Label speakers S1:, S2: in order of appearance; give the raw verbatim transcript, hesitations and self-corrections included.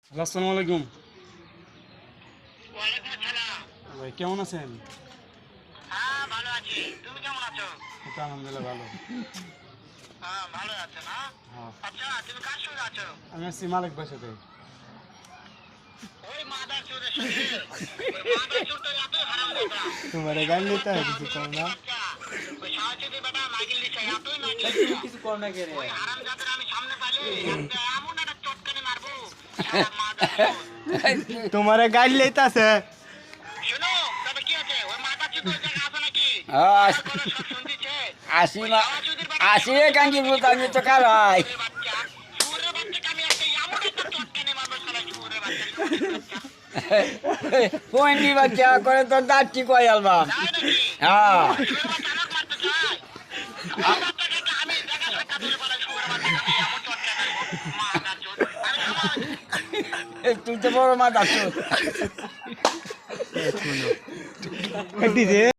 S1: আসসালামু আলাইকুম
S2: ওয়ালাইকুম আসসালাম।
S1: ভাই, কেমন আছেন?
S2: হ্যাঁ ভালো আছি, তুমি কেমন আছো?
S1: এই তো আলহামদুলিল্লাহ ভালো।
S2: হ্যাঁ ভালো আছো না?
S1: হ্যাঁ,
S2: আচ্ছা তুমি কার সঙ্গে আছো?
S1: আমি আসছি মালিক ভাইয়ের সাথে।
S2: ওই মাদার চোরের সাথে। ওই মাদার চোর তো এতই হারামজাদা।
S3: तुम्हारे गाड़ी लेता है किसी को ना
S2: বাচ্চা, ওই সাহসীদের বেটা মাইকেল দিছে এতই নাকি
S3: किसी को ना कह
S2: ওই
S3: रहे
S2: হারামজাদার আমি সামনে পাইলে একটা এমন একটা চটকানি মারবো শালা মাদার চোর।
S3: तुम्हारे गाड़ी लेता है
S2: শোনো তবে কি আছে ওই মাদার চোর ওই জায়গায় আছে নাকি?
S4: হ্যাঁ,
S2: আমার কথা সব শুনতেছে।
S4: আসি
S2: ওই
S4: না
S2: সাহসীদের বেটা
S4: আসি রে কাঞ্জি বলতে আমি তো কারাই
S2: চোরের বাচ্চা, চোরের বাচ্চাকে আমি একটা এমন একটা চটকানি মারবো শালা চোরের বাচ্চা, চোরের বাচ্চা।
S4: পয়েন্টি বাচ্চা করে তোর দাঁত ঠিক হয়ে আলবা
S2: তাই নাকি?
S4: হ্যাঁ
S2: শুয়োরের বাচ্চা আমাকে মারতে চায়? শুয়োরের বাচ্চাকে আমি দেখা সাক্ষাৎ হলে বলে শুয়োরের বাচ্চাকে আমি এমন চটকানি মারবো, মাদার চোর। আমি খাবার
S4: তুই তো বড় মাথা তোর
S3: गाड़ी दे